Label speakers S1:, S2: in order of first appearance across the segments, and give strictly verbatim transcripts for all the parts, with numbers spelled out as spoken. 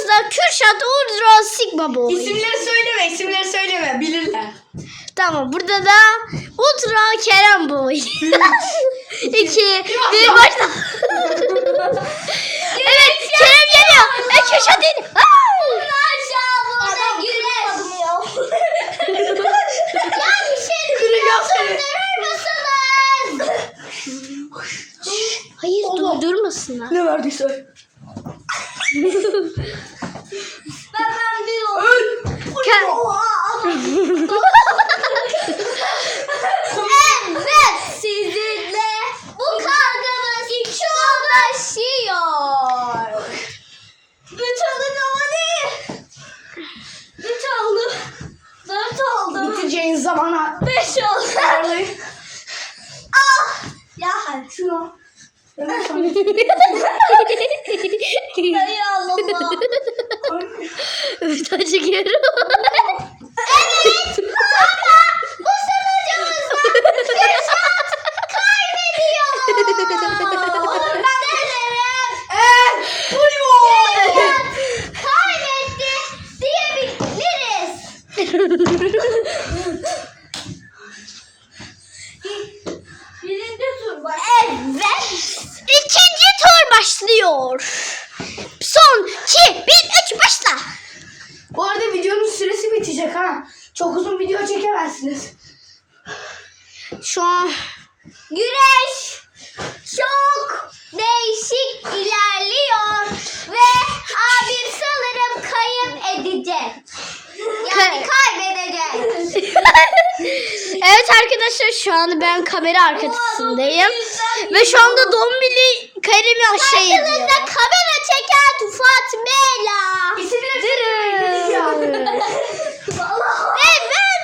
S1: da Kürşat Ultra Sigma Boy.
S2: İsimleri söyleme, isimleri söyleme. Bilirler.
S1: Tamam, burada da Ultra Kerem Boy. İki, bir başla. Evet, Kerem geliyor. E, Kürşat değil.
S3: Aşağı girmedim ya. Ya bir şey
S2: Kıracağım seni.
S3: mısınız?
S1: Hayır, durdurmasınlar.
S2: Ne verdiyse.
S3: Ben ben diyorum.
S2: Öl.
S1: Ke-
S3: Evet, sizinle bu kavgamız çok başlıyor. Üç oldu ama değil. Üç oldu. Dört oldu.
S2: Bitireceğin zamana.
S3: Beş oldu.
S2: Vallahi.
S3: Ah! Ya hadi şunu. Dayı Allah'ım.
S1: Evet, çekiyorum.
S3: Evet ama bu sonucumuzda Kürşat kaybediyor. Onu ben denerim.
S2: Eee.
S3: Kürşat kaybetti diyebiliriz. Birinci tur var. Evet.
S1: İkinci tur başlıyor. Son, iki, bir, üç, başla.
S2: Bu arada videonun süresi bitecek ha. Çok uzun video çekemezsiniz.
S1: Şu an
S3: Güreş çok değişik ilerliyor ve abim sanırım kayıp edecek. Yani kaybedecek.
S1: evet arkadaşlar, şu anda ben kamera arkasındayım. Ve şu anda Dombili Kerem'i aşağı ediyor.
S3: Karşınızda kamera çeken Fatmela.
S2: İsimleri
S1: Dırı.
S3: Ve ben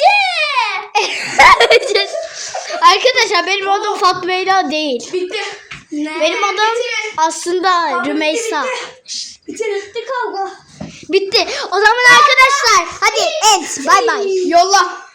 S3: Ece.
S1: Arkadaşlar, benim adım Fatma Leyla değil.
S2: Bitti.
S1: Benim adım aslında Rümeysa.
S2: Bitirin.
S3: Bitti kavga.
S1: Bitti. O zaman arkadaşlar, hadi evet, bay bay.
S2: Yolla.